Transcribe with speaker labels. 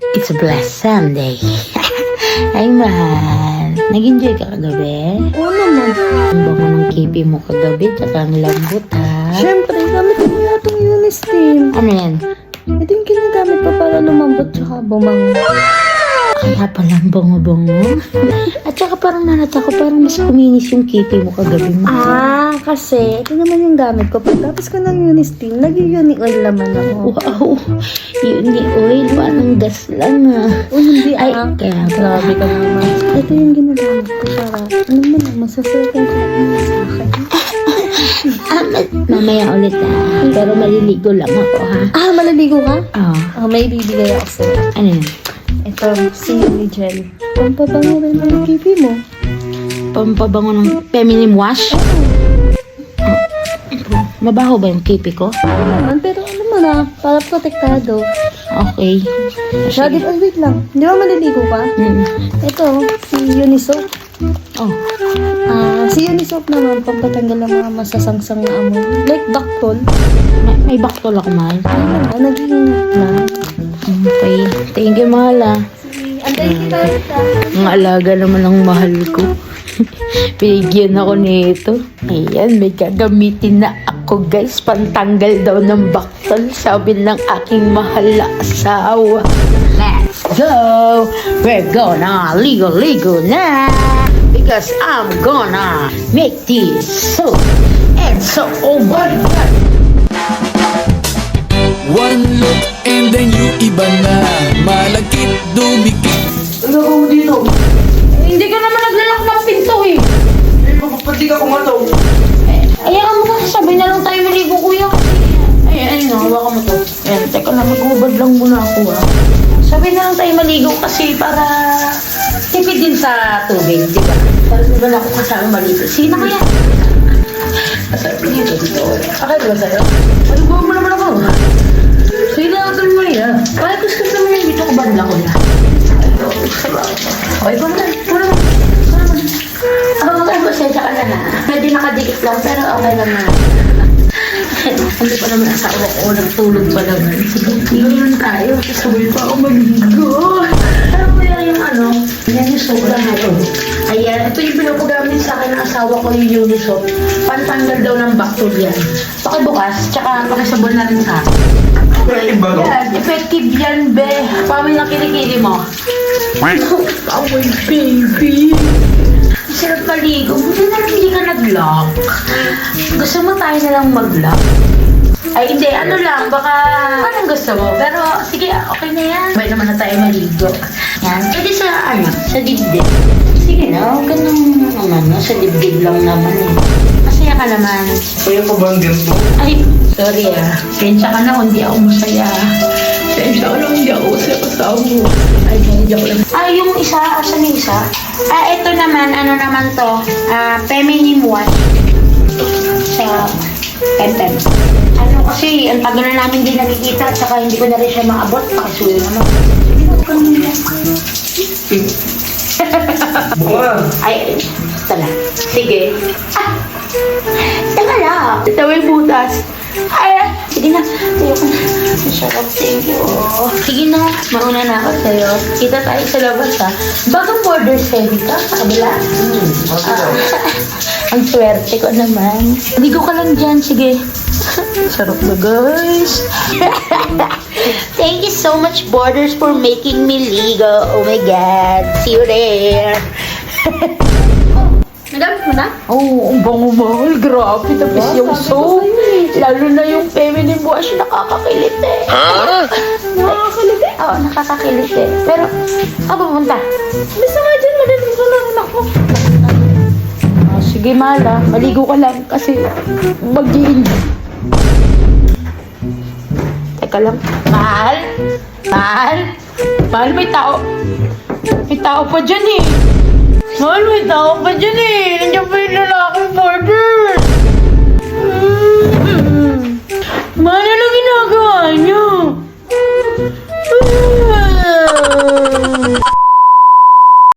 Speaker 1: It's a blessed Sunday. Ay, mahal. Nag-enjoy ka kagabi?
Speaker 2: Oo naman.
Speaker 1: Ang bango ng kipi mo kagabi, tsaka ang lambot, ha?
Speaker 2: Siyempre, gamit ko nga itong Unisteam.
Speaker 1: Ano yan?
Speaker 2: Ito yung ginagamit ko para lumambot tsaka bumango.
Speaker 1: Kaya pala ang bango-bango. At saka parang nanata ko, parang mas kuminis yung kipi mo kagabi mo.
Speaker 2: Kasi ito naman yung gamit ko. Pagtapos ko ng Unisteam, nag-uni oil naman ako.
Speaker 1: Wow! Yun ni oil, parang gas lang, ha?
Speaker 2: O hindi
Speaker 1: Ay,
Speaker 2: ah.
Speaker 1: kaya
Speaker 2: Grabe ka naman. Ito yung ginagamit ko para, alam mo na, masasakin ko lang sa akin.
Speaker 1: Mamaya ulit, ha? Pero maliligo lang ako, ha?
Speaker 2: Malaligo ka?
Speaker 1: Oh,
Speaker 2: May bibigay ako sa'yo.
Speaker 1: ano yun?
Speaker 2: Ito, Silly Gel. Pampabango rin ang pipi mo.
Speaker 1: Pampabango ng feminine wash? Mabaho ba yung kipi ko?
Speaker 2: Ano naman, pero ano mo na, para protektado.
Speaker 1: Okay.
Speaker 2: Shaggy, wait lang. Di ba maliligo ka? Ito, si Unisoap.
Speaker 1: Oh,
Speaker 2: Si Unisoap naman, pampatanggal ng mga masasangsang na amoy. Like Dactol.
Speaker 1: may baktol ako, mahal.
Speaker 2: Nag-iingat na.
Speaker 1: Okay. Thank you, mahal, ha?
Speaker 2: Antay kita.
Speaker 1: Ang alaga naman ng mahal ko. Pinigyan ako nito. Ayan, may gagamitin na ako, guys. Pantanggal daw ng baktol. Sabi ng aking mahal na asawa. Let's go! We're gonna ligo-ligo na! Because I'm gonna make this soap. And so, oh my God!
Speaker 3: One look and then you iba na. Malagkit, dumikit.
Speaker 4: Ano ka mo dito?
Speaker 1: Hindi ka naman naglalak ng pinto, eh.
Speaker 4: Pati ka kumato.
Speaker 1: Ayan mo kasi, sabay na lang tayo maligo, kuya. Ay, hawakan mo to. Ayan, teka lang, mag-ubad lang muna ako, ha. Sabay na lang tayo maligo kasi para tipid din sa tubig, di ba? Para naman ako kasama maligo. Sino kaya? Sabi dito. Okay ba sa'yo? Maligo mo naman ako. Sino natin mo yan? Kaya gusto naman yung dito ko bandla ko na. Okay, puna. Okay, pasensya ka na, ha. Pwede nakadikit lang, pero okay lang na. Hindi pa naman asawa ko, nagtulog pa naman. Sige, naman tayo. Sabay pa ako maligo. Pero kaya yung ano, yan yung soap na ito. Ayan, ito yung pinapagamit sa akin ng asawa ko, yung Unisoap. Pantanggal daw ng bacteria. Pakibukas, tsaka pakisabon na rin sa akin.
Speaker 4: Effective ba no?
Speaker 1: Yan, effective yan, be. Pamay na kilikili mo. Oh, my baby. Sarap maligo. Buti na lang hindi ka nag-lock. Gusto mo tayo na lang mag-lock? Ay, hindi. Ano lang. Baka anong gusto mo. Pero, sige, okay na yan. May naman na tayo maligo. Yan. Pwede sa, sa dibdib. Sige na. Huwag ka nang, sa dibdib lang naman eh. Masaya ka naman.
Speaker 4: Kaya pa ba ang ganito?
Speaker 1: Ay, sorry ah. Pensya ka na kung hindi ako masaya. Pensya ka na kung hindi ako masaya kasama mo. Ay, hindi ako lang. Yung isa, asan yung isa? Ito naman, ano naman to? Feminine wash. Sa Pempem. Ano kasi, ang tagal na namin din nakikita at saka hindi ko na rin siya maabot. Pakisuyo naman. Hindi ko ka naman yan.
Speaker 4: Buka.
Speaker 1: Ay, tala. Sige. Teka lang. Ito may butas. Ay, sige na. Tayo ko na. Masarap. Thank you. Sige na. Mauna na ako sa'yo. Kita tayo sa labas, ha. Bago border heavy ka sa kabila. Ang swerte ko naman. Ligo ka lang dyan. Sige. Sarap na, guys. Thank you so much, Borders, for making me ligo. Oh my God. See you there.
Speaker 2: Nagamit mo na?
Speaker 1: Oh, ang bango mahal. Grabe. Tapos yung soap. Lalo na yung feminine wash. Nakakakilit eh.
Speaker 2: Nakakakilit eh.
Speaker 1: Oo, nakakakilit eh. Pero, saan pupunta?
Speaker 2: Basta nga dyan, madaling ko lang anak mo.
Speaker 1: Sige, mahal ah. Maligo ka lang kasi mag-i-enjoy. Teka lang. Mahal? Mahal? Mahal, may tao. May tao pa dyan eh. Mahal, may tao pa dyan eh.